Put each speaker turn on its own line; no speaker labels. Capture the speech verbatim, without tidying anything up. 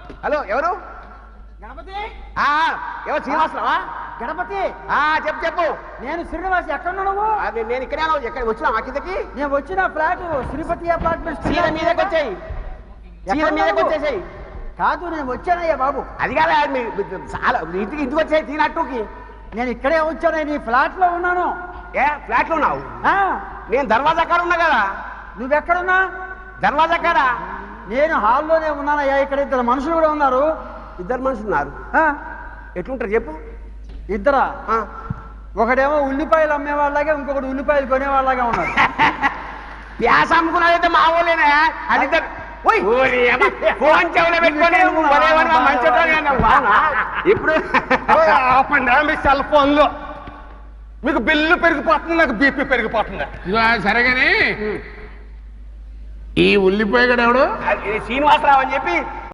Hello ఎవరు?
గణపతి.
ఎవరు? శ్రీనివాసరావా?
గణపతి.
చెప్పు చెప్పు.
నేను శ్రీనివాస్. ఎక్కడ ఉన్నావు?
అది నేను ఇక్కడే ఎక్కడ వచ్చినా మా కిందకి.
నేను వచ్చిన ఫ్లాట్ శ్రీపతి అపార్ట్మెంట్
చీర మీదకి వచ్చాయి. చీర మీదకి వచ్చేసాయి.
కాదు నేను వచ్చానయ్యా బాబు.
అది కాదా చాలా ఇంటికి ఇంటికి వచ్చాయి తీనట్టుకి.
నేను ఇక్కడే వచ్చాను. నీ ఫ్లాట్ లో ఉన్నాను.
ఏ ఫ్లాట్ లో ఉన్నావు? నేను దర్వాజా కాడ ఉన్నా కదా.
నువ్వెక్కడున్నా?
దర్వాజా కాడ.
నేను హాల్లోనే ఉన్నానయ్యా. ఇక్కడ ఇద్దరు మనుషులు కూడా ఉన్నారు.
ఇద్దరు మనుషులు ఉన్నారు. ఎట్లుంటారు చెప్పు?
ఇద్దరా? ఒకడేమో ఉల్లిపాయలు అమ్మేవాళ్ళగా, ఇంకొకటి ఉల్లిపాయలు కొనేవాళ్ళగా ఉన్నాడు.
ప్యాస అమ్ముకున్నాడైతే మా ఊళ్ళేనా అది? ఫోన్ చెవులో పెట్టుకొని ఇప్పుడు
మీ సెల్ ఫోన్లో మీకు బిల్లు పెరిగిపోతుంది, నాకు బీపీ పెరిగిపోతుంది.
సరేగాని ఈ ఉల్లిపాయ కూడా ఎవడు?
శ్రీనివాసరావు అని చెప్పి